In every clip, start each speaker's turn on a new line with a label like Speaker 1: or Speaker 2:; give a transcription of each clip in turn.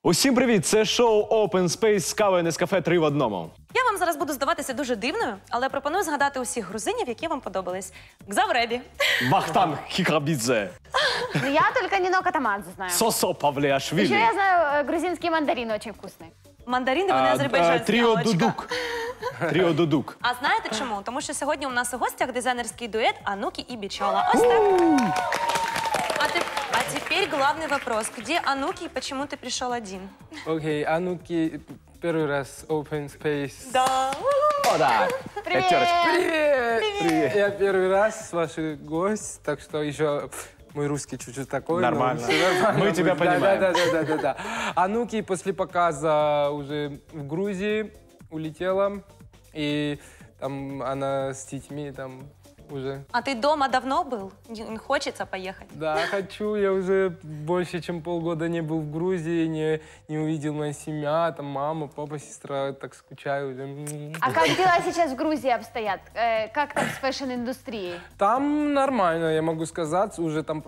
Speaker 1: Усім привіт! Це шоу Open Space з кавою Нескафе 3 в одному.
Speaker 2: Я вам зараз буду здаватися дуже дивною, але пропоную згадати усіх грузинів, які вам подобались. Гзавребі.
Speaker 1: Вахтанг Хікабідзе.
Speaker 3: Ну, я только Нино Катамадзе знаю.
Speaker 1: Сосо Павліашвілі.
Speaker 3: Еще я знаю грузинские мандарины очень вкусные.
Speaker 2: Мандарини, вони азербайджанські.
Speaker 1: Тріо Дудук. Тріо Дудук.
Speaker 2: А знаєте чому? Тому що сьогодні у нас у гостях дизайнерський дует Ануки и Бичола. Ось так. А теперь главный вопрос. Где Ануки и почему ты пришел один?
Speaker 4: Окей, Ануки, первый раз Open Space.
Speaker 2: Да.
Speaker 1: О, так.
Speaker 3: Привет!
Speaker 4: Привет! Я первый раз ваш гость, так что еще мой русский чуть-чуть такой.
Speaker 1: Нормально.
Speaker 4: Нормально.
Speaker 1: Мы тебя понимаем.
Speaker 4: Да. Ануки после показа уже в Грузии улетела, и там она с детьми там уже.
Speaker 2: А ты дома давно был? Не хочется поехать?
Speaker 4: Да, хочу. Я уже больше, чем полгода не был в Грузии, не увидел мою семью, там мама, папа, сестра, так скучаю уже.
Speaker 3: А как дела сейчас в Грузии обстоят? Как там с фэшн-индустрией?
Speaker 4: Там нормально, я могу сказать, уже там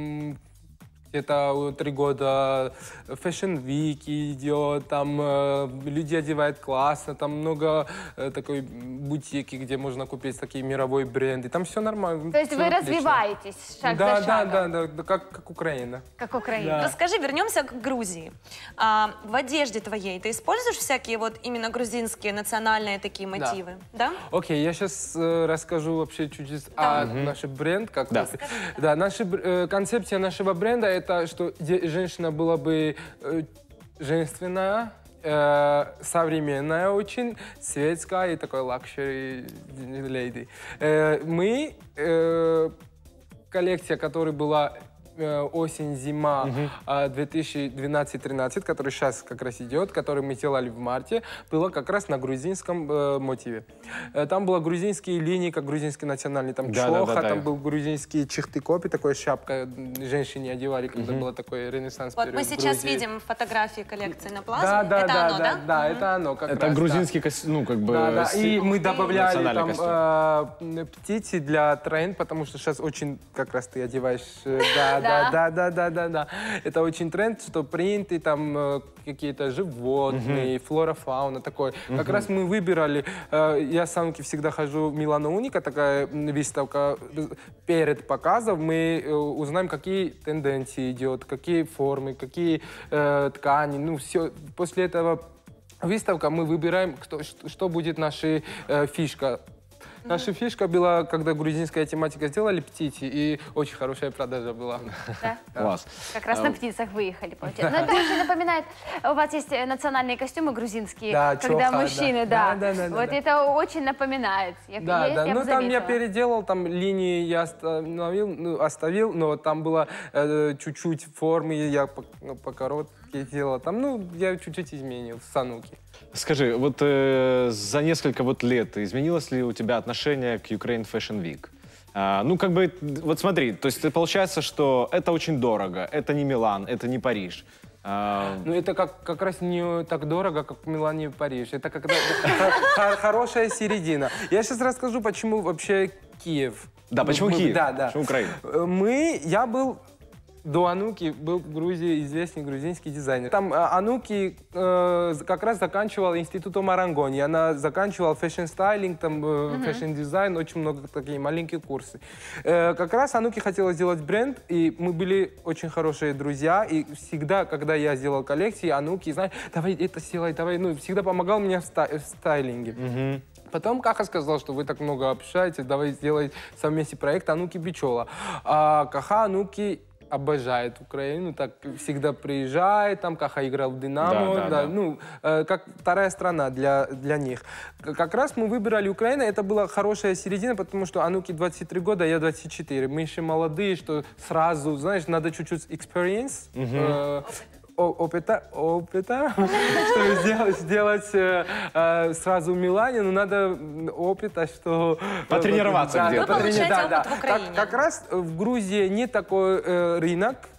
Speaker 4: где-то 3 года Fashion Week идет, там люди одевают классно, там много такой бутики, где можно купить такие мировые бренды, там все нормально.
Speaker 3: То есть
Speaker 4: всё
Speaker 3: вы
Speaker 4: отлично.
Speaker 3: развиваетесь шаг за шагом?
Speaker 4: Да, как Украина.
Speaker 3: Как Украина.
Speaker 4: Да.
Speaker 2: Расскажи, вернемся к Грузии. В одежде твоей ты используешь всякие вот именно грузинские национальные такие мотивы? Да?
Speaker 4: Окей, я сейчас расскажу вообще чуть-чуть о нашем бренде. Да, концепция нашего бренда — это что женщина была бы женственная, современная очень, светская и такой luxury lady. Мы, коллекция, которая была осень-зима 2012-13, который сейчас как раз идет, который мы делали в марте, была как раз на грузинском мотиве. Там были грузинские линии, как грузинский национальный, там чоха, там был грузинский чехты-копи, такая шапка женщине одевали, когда было такой ренессанс.
Speaker 2: Вот мы сейчас видим фотографии коллекции на плазме.
Speaker 4: Да,
Speaker 2: это оно, да?
Speaker 4: Да, это оно как
Speaker 1: Это
Speaker 4: раз,
Speaker 1: грузинский, ну, как бы...
Speaker 4: да. И мы добавляли
Speaker 1: национальный
Speaker 4: там птицы для тренд, потому что сейчас очень, как раз ты одеваешь, да. Это очень тренд, что принты, там какие-то животные, флора, фауна, такой. Как раз мы выбирали, я с Ануки всегда хожу в Милано Уника, такая выставка, перед показом мы узнаем, какие тенденции идет, какие формы, какие ткани, ну все. После этого выставка мы выбираем, что будет наша фишка. Наша фишка была, когда грузинская тематика сделали птицы, и очень хорошая продажа была.
Speaker 3: Да?
Speaker 1: Класс.
Speaker 3: Как раз на птицах выехали, получается. Но это очень напоминает, у вас есть национальные костюмы грузинские,
Speaker 4: Да,
Speaker 3: когда
Speaker 4: чоха,
Speaker 3: мужчины,
Speaker 4: да.
Speaker 3: да.
Speaker 4: Да.
Speaker 3: Вот это очень напоминает.
Speaker 4: Да. Ну, там я
Speaker 3: заметила.
Speaker 4: переделал, там линии я оставил, но там было чуть-чуть формы, я по короткой делал. Там, ну, я чуть-чуть изменил с Ануки.
Speaker 1: Скажи, вот за несколько вот лет изменилось ли у тебя отношение к Ukraine Fashion Week? Ну, как бы, вот смотри, то есть получается, что это очень дорого, это не Милан, это не Париж.
Speaker 4: Ну, это как раз не так дорого, как в Милане и Париж. Это когда хорошая середина. Я сейчас расскажу, почему вообще Киев.
Speaker 1: Да, почему Киев?
Speaker 4: Да.
Speaker 1: Почему Украина?
Speaker 4: Я был... До Ануки был в Грузии известный грузинский дизайнер. Там Ануки как раз заканчивала институт Марангони. Она заканчивала фэшн-стайлинг, там фэшн-дизайн, очень много такие маленькие курсы. Как раз Ануки хотела сделать бренд, и мы были очень хорошие друзья. И всегда, когда я сделал коллекции, Ануки, знаешь, давай это сделай, давай, ну, всегда помогал мне в стайлинге. Потом Каха сказал, что вы так много общаетесь, давай сделай совместный проект Ануки Бичола. А Каха Ануки обожает Украину, так всегда приезжает, там Каха играл в Динамо,
Speaker 1: Да.
Speaker 4: Ну, как вторая страна для них. Как раз мы выбирали Украину, это была хорошая середина, потому что Ануки 23 года, я 24. Мы еще молодые, что сразу, знаешь, надо чуть-чуть experience, опыта, что сделать сразу в Милане, но надо опыта, что...
Speaker 1: Потренироваться где-то.
Speaker 2: Вы получаете опыт в Украине.
Speaker 4: Как раз в Грузии не такой рынок,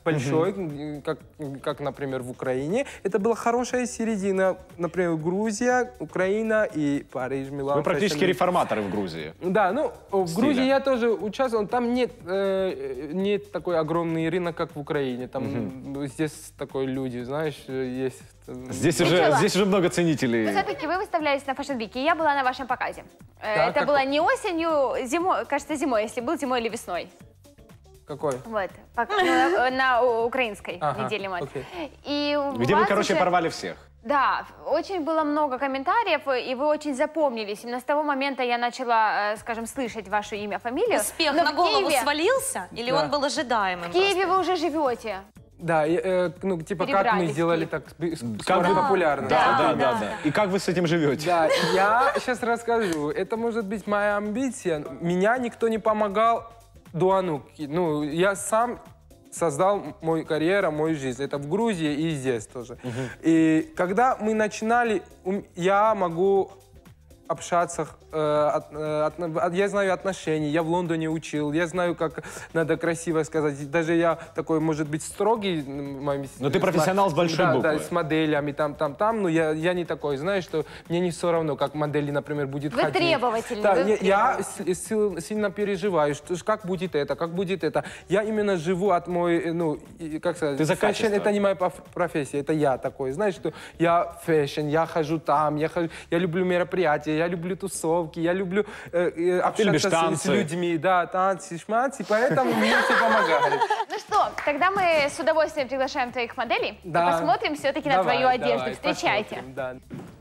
Speaker 4: большой, как, например, в Украине. Это была хорошая середина, например, Грузия, Украина и Париж, Милан.
Speaker 1: Вы практически реформаторы в Грузии.
Speaker 4: Да, ну, в
Speaker 1: Стиля.
Speaker 4: Грузии я тоже участвовал. Там нет такой огромный рынок, как в Украине. Там здесь такой люди, знаешь, есть...
Speaker 1: Здесь уже много ценителей.
Speaker 3: Но все-таки вы выставлялись на Fashion Week, и я была на вашем показе.
Speaker 4: Да,
Speaker 3: Это было не осенью, зимой, кажется, зимой, если был зимой или весной.
Speaker 4: Какой?
Speaker 3: Вот, на украинской неделе мод.
Speaker 4: окей.
Speaker 3: И
Speaker 1: Где вы, короче, порвали всех.
Speaker 3: Да, очень было много комментариев, и вы очень запомнились. Именно с того момента я начала, скажем, слышать ваше имя, фамилию.
Speaker 2: Успех
Speaker 3: Но
Speaker 2: на
Speaker 3: в
Speaker 2: голову
Speaker 3: Киеве-
Speaker 2: свалился? Или
Speaker 4: Да.
Speaker 2: он был ожидаемым?
Speaker 3: В Киеве вы уже живете.
Speaker 4: Да, ну, типа, как мы
Speaker 3: Перебрались в
Speaker 4: сделали
Speaker 3: Киев.
Speaker 4: так
Speaker 1: Как
Speaker 4: скоро
Speaker 1: вы-
Speaker 4: популярно.
Speaker 1: Да. И как вы с этим живете?
Speaker 4: Да, я сейчас расскажу. Это может быть моя амбиция. Меня никто не помогал до Ануки. Ну, я сам создал мою карьеру, мою жизнь. Это в Грузии и здесь тоже. И когда мы начинали, я могу общаться, я знаю отношения, я в Лондоне учил, я знаю, как надо красиво сказать. Даже я такой, может быть, строгий.
Speaker 1: Но ты профессионал с большой буквы.
Speaker 4: Да, с моделями, там, но я не такой, знаешь, что мне не все равно, как модели, например, будет
Speaker 3: Вы
Speaker 4: ходить.
Speaker 3: требовательны,
Speaker 4: Да,
Speaker 3: вы
Speaker 4: я сильно переживаю, что как будет это. Я именно живу от мой, ну, как сказать,
Speaker 1: Ты за
Speaker 4: фэшн
Speaker 1: качество.
Speaker 4: это не моя профессия, это я такой, знаешь, что я фэшн, я хожу там, я люблю мероприятия, я люблю тусовки, я люблю
Speaker 1: любишь
Speaker 4: общаться с
Speaker 1: танцы.
Speaker 4: людьми, да, танцы, шманцы, поэтому мне все помогает.
Speaker 3: Ну что, тогда мы с удовольствием приглашаем твоих моделей
Speaker 4: Да.
Speaker 3: и посмотрим все-таки на
Speaker 4: Давай,
Speaker 3: твою одежду.
Speaker 4: давай,
Speaker 3: Встречайте.
Speaker 4: посмотрим, да.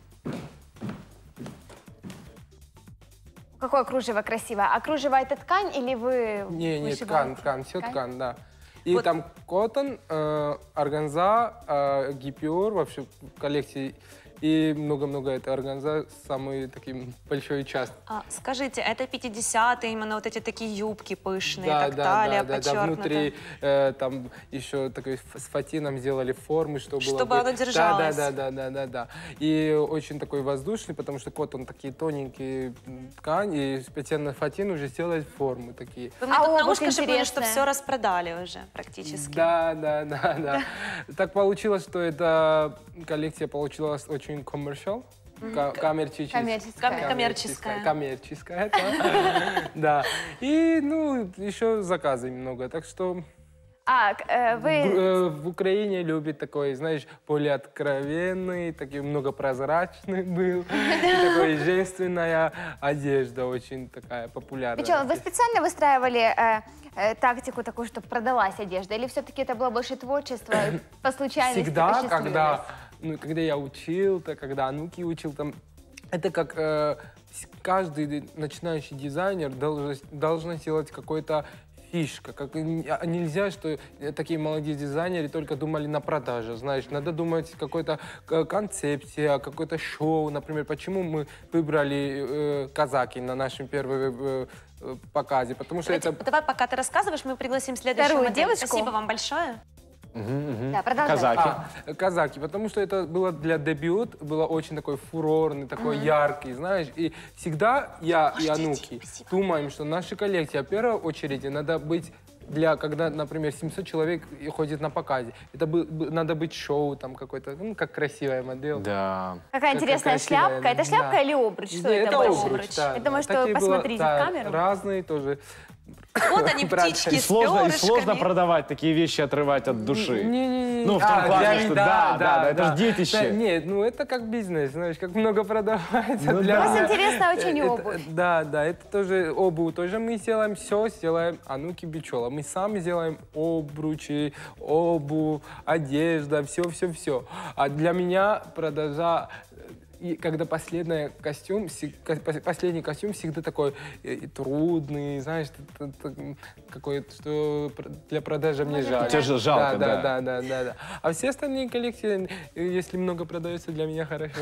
Speaker 3: Какое кружево красивое. А кружево это ткань или вы
Speaker 4: Не,
Speaker 3: вышиваете?
Speaker 4: ткань, все
Speaker 3: Ткань?
Speaker 4: ткань, да. И
Speaker 2: Вот.
Speaker 4: там коттон, органза, гипюр вообще в коллекции. И много-много это органза, самый такой большой часть.
Speaker 2: Скажите, это 50-е, именно вот эти такие юбки пышные,
Speaker 4: Да,
Speaker 2: так
Speaker 4: да,
Speaker 2: талия
Speaker 4: да,
Speaker 2: подчеркнута.
Speaker 4: внутри там еще такой с фатином сделали формы, чтобы было
Speaker 2: Чтобы оно держалось.
Speaker 4: Да. И очень такой воздушный, потому что коттон такие тоненькие ткань, и специально фатин уже сделать формы такие.
Speaker 2: Вы мне
Speaker 3: А
Speaker 2: тут на
Speaker 3: обувь
Speaker 2: ушко шепнули, что
Speaker 3: интересная.
Speaker 2: все распродали уже практически.
Speaker 4: Да. Так получилось, что эта коллекция получилась очень коммерциал. Коммерческая. Коммерческая, да. И, ну, еще заказы много. Так что
Speaker 3: вы...
Speaker 4: в Украине любят такой, знаешь, более откровенный, такой многопрозрачный был. И такой женственная одежда, очень такая популярная.
Speaker 3: Причем вы специально выстраивали тактику такую, чтобы продалась одежда? Или все-таки это было больше творчество, по случайности
Speaker 4: Всегда,
Speaker 3: посчастливилось?
Speaker 4: когда я учил, когда Ануки учил, там, это как каждый начинающий дизайнер должен сделать какой-то фишка. Нельзя, что такие молодые дизайнеры только думали на продаже, знаешь. Надо думать какой-то концепция, какое-то шоу. Например, почему мы выбрали казаки на нашем первом показе? Потому что это...
Speaker 2: Давай, пока ты рассказываешь, мы пригласим следующую
Speaker 3: Вторую
Speaker 2: модель.
Speaker 3: девушку.
Speaker 2: Спасибо вам большое.
Speaker 3: Да, продолжай.
Speaker 1: Казаки.
Speaker 4: Казаки, потому что это было для дебют, было очень такой фурорный, такой яркий, знаешь. И всегда я и Ануки думаем, что наша коллекция, в первую очередь, надо быть когда, например, 700 человек ходит на показе. Это надо быть шоу там какой-то, ну, как красивая модель.
Speaker 1: Да.
Speaker 3: Какая интересная
Speaker 4: красивая,
Speaker 3: шляпка. Это шляпка
Speaker 4: да.
Speaker 3: или обруч? Что
Speaker 4: Да,
Speaker 3: это больше?
Speaker 4: обруч, да,
Speaker 3: Я думаю,
Speaker 4: да.
Speaker 3: что
Speaker 4: Такие было,
Speaker 3: посмотрите
Speaker 4: да,
Speaker 3: в камеру.
Speaker 4: разные тоже.
Speaker 2: Вот они, птички
Speaker 1: И
Speaker 2: с
Speaker 1: сложно
Speaker 2: перышками.
Speaker 1: продавать такие вещи, отрывать от души.
Speaker 4: Не-не-не.
Speaker 1: Ну, в том плане, что да, это ж детище.
Speaker 4: Да, нет, ну это как бизнес, знаешь, как много продавается.
Speaker 1: Ну
Speaker 4: для
Speaker 1: да.
Speaker 3: У вас
Speaker 4: меня.
Speaker 3: интересна очень
Speaker 4: Это-
Speaker 3: обувь.
Speaker 4: Да, это тоже обувь, тоже мы сделаем, все сделаем Ануки Бичола. Мы сами делаем обручи, обувь, одежда, все. А для меня продажа... И когда последний костюм всегда такой трудный, знаешь, какой-то, что для продажи мне жаль.
Speaker 1: Тебе же жалко, да.
Speaker 4: Да. А все остальные коллекции, если много продается, для меня хорошо.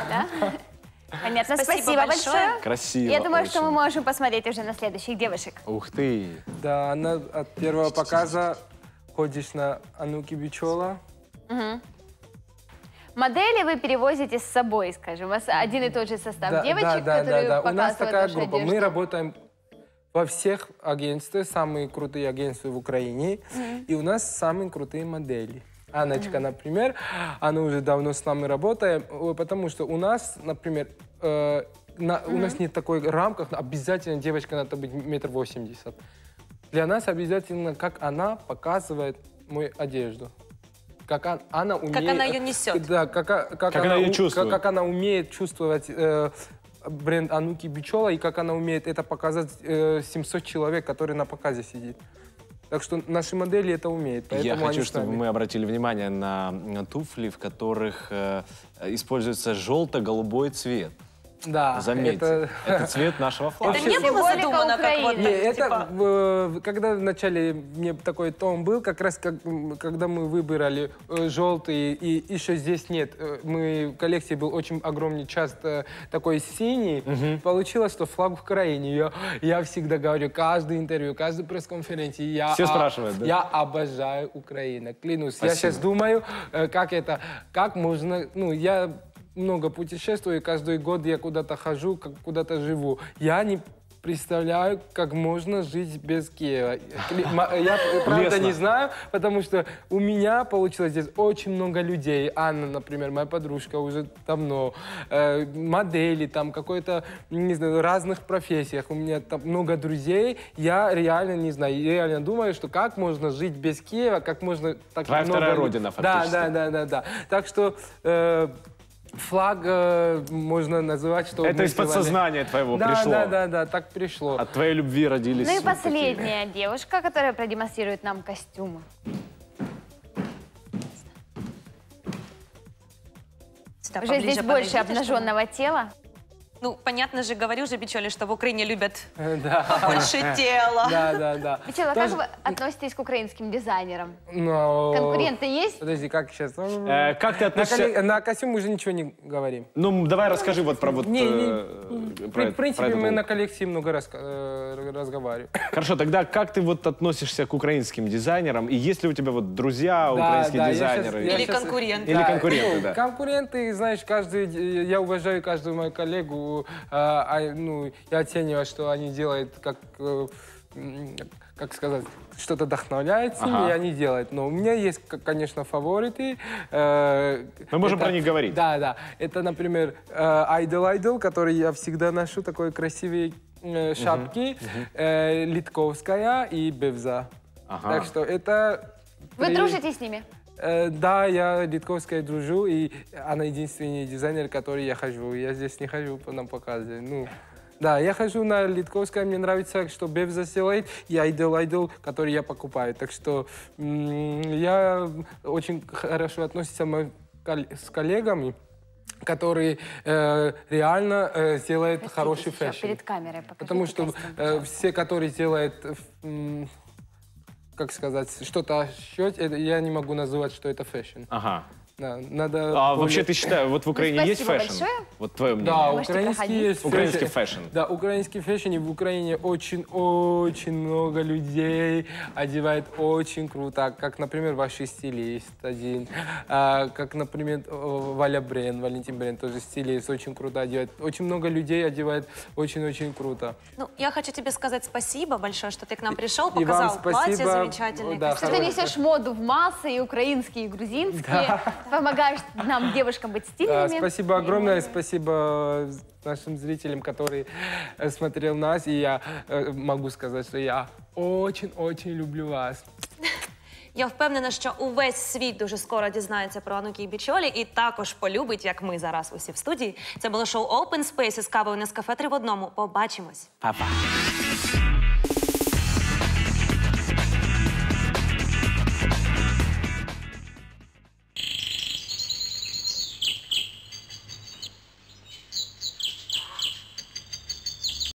Speaker 3: Понятно,
Speaker 2: Спасибо
Speaker 3: спасибо
Speaker 2: большое.
Speaker 3: большое.
Speaker 1: Красиво.
Speaker 3: Я думаю, что мы
Speaker 1: очень.
Speaker 3: можем посмотреть уже на следующих девушек.
Speaker 1: Ух ты.
Speaker 4: Да, она от первого показа ходишь на Ануки Бичола.
Speaker 3: Модели вы перевозите с собой, скажем. У вас один и тот же состав девочек, которые
Speaker 4: У нас
Speaker 3: показывают
Speaker 4: такая
Speaker 3: вашу
Speaker 4: группа.
Speaker 3: одежду.
Speaker 4: Мы работаем во всех агентствах, самые крутые агентства в Украине, и у нас самые крутые модели. Анночка, например, она уже давно с нами работает, потому что у нас, например, у нас нет такой рамки, обязательно девочка надо быть 1,80 м. Для нас обязательно, как она показывает мою одежду. Как она умеет...
Speaker 2: Как она ее несет.
Speaker 4: Да, как
Speaker 1: она ее чувствует.
Speaker 4: Как она умеет чувствовать бренд Ануки Бичола, и как она умеет это показать 700 человек, которые на показе сидит. Так что наши модели это умеют.
Speaker 1: Я хочу, чтобы мы обратили внимание на туфли, в которых используется желто-голубой цвет.
Speaker 4: Да,
Speaker 1: заметьте, это цвет нашего флага.
Speaker 2: Это не было задумано как вот...
Speaker 4: это, когда вначале мне такой тон был, как раз когда мы выбирали желтый, и еще здесь нет, в коллекции был очень огромный часть такой синий, получилось, что флаг в Украине. Я всегда говорю, каждое интервью, каждой пресс-конференции,
Speaker 1: все спрашивают, да?
Speaker 4: Я обожаю Украину, клянусь.
Speaker 1: Спасибо.
Speaker 4: Я сейчас думаю, как можно, я много путешествую, и каждый год я куда-то хожу, куда-то живу. Я не представляю, как можно жить без Киева. Я, правда, не знаю, потому что у меня получилось здесь очень много людей. Анна, например, моя подружка уже давно. Модели, там, какой-то, не знаю, разных профессиях. У меня там много друзей. Я реально не знаю. Я реально думаю, что как можно жить без Киева, как можно... Так
Speaker 1: Твоя
Speaker 4: много...
Speaker 1: вторая родина, фактически.
Speaker 4: Да. Так что... Флаг можно называть, что...
Speaker 1: Это из подсознания твоего пришло.
Speaker 4: Да, так пришло.
Speaker 1: От твоей любви родились...
Speaker 3: Ну и
Speaker 1: вот
Speaker 3: последняя девушка, которая продемонстрирует нам костюмы.
Speaker 2: Сюда
Speaker 3: Уже здесь больше обнаженного тела.
Speaker 2: Ну, понятно же, говорю же, Бичоли, что в Украине любят
Speaker 4: Да.
Speaker 2: больше тела.
Speaker 4: Да.
Speaker 3: Бичола, как вы относитесь к украинским дизайнерам?
Speaker 4: Но...
Speaker 3: Конкуренты есть?
Speaker 4: Подожди, как сейчас?
Speaker 1: Как ты относишься...
Speaker 4: На костюм мы уже ничего не говорим.
Speaker 1: Ну, давай расскажи вот про вот...
Speaker 4: В принципе, мы на коллекции много разговариваем.
Speaker 1: Хорошо, тогда как ты вот относишься к украинским дизайнерам? И есть ли у тебя вот друзья, украинские дизайнеры?
Speaker 2: Или конкуренты.
Speaker 1: Или конкуренты, да.
Speaker 4: Конкуренты, знаешь, я уважаю каждую мою коллегу, я оцениваю, что они делают, как сказать, что-то вдохновляет с ними, и они делают. Но у меня есть, конечно, фавориты.
Speaker 1: Мы можем про них говорить.
Speaker 4: Да. Это, например, Idol, который я всегда ношу, такой красивые шапки, Литковская и Бевза. Так что это...
Speaker 3: Вы дружите с ними?
Speaker 4: Да, я Литковская дружу, и она единственный дизайнер, который я хожу. Я здесь не хожу на показе. Да, я хожу на Литковское, мне нравится, что Бевза делает, и Idol, который я покупаю. Так что я очень хорошо отношусь с коллегами, которые реально делают хороший фэшн.
Speaker 3: Перед камерой покажите.
Speaker 4: Потому что все, которые делают... как сказать, что-то я не могу называть, что это фэшн.
Speaker 1: Ага.
Speaker 4: Да, надо
Speaker 1: вообще ты считаешь, вот в Украине есть фэшн?
Speaker 3: Большое.
Speaker 1: Вот твое мнение.
Speaker 4: Да, украинский есть
Speaker 1: Украинский фэшн.
Speaker 4: Да, украинский фэшн, и в Украине очень много людей одевает очень круто. Как, например, ваш стилист один, как, например, Валентин Брен, тоже стилист, очень круто одевает. Очень много людей одевает очень-очень круто.
Speaker 2: Ну, я хочу тебе сказать спасибо большое, что ты к нам пришел,
Speaker 4: И вам
Speaker 2: показал платье
Speaker 4: спасибо.
Speaker 2: замечательное.
Speaker 4: Да,
Speaker 3: Что ты несешь моду в массы, и украинские, и грузинские. Помогаешь нам, девушкам, быть стильными.
Speaker 4: Спасибо огромное, спасибо нашим зрителям, которые смотрели нас. И я могу сказать, что я очень люблю вас.
Speaker 2: Я впевнена, що увесь світ дуже скоро дізнається про Ануки Бичолі і також полюбить, як ми зараз усі в студії. Це було шоу Open Space із кавою Нескафе 3 в 1. Побачимось.
Speaker 1: Па-па.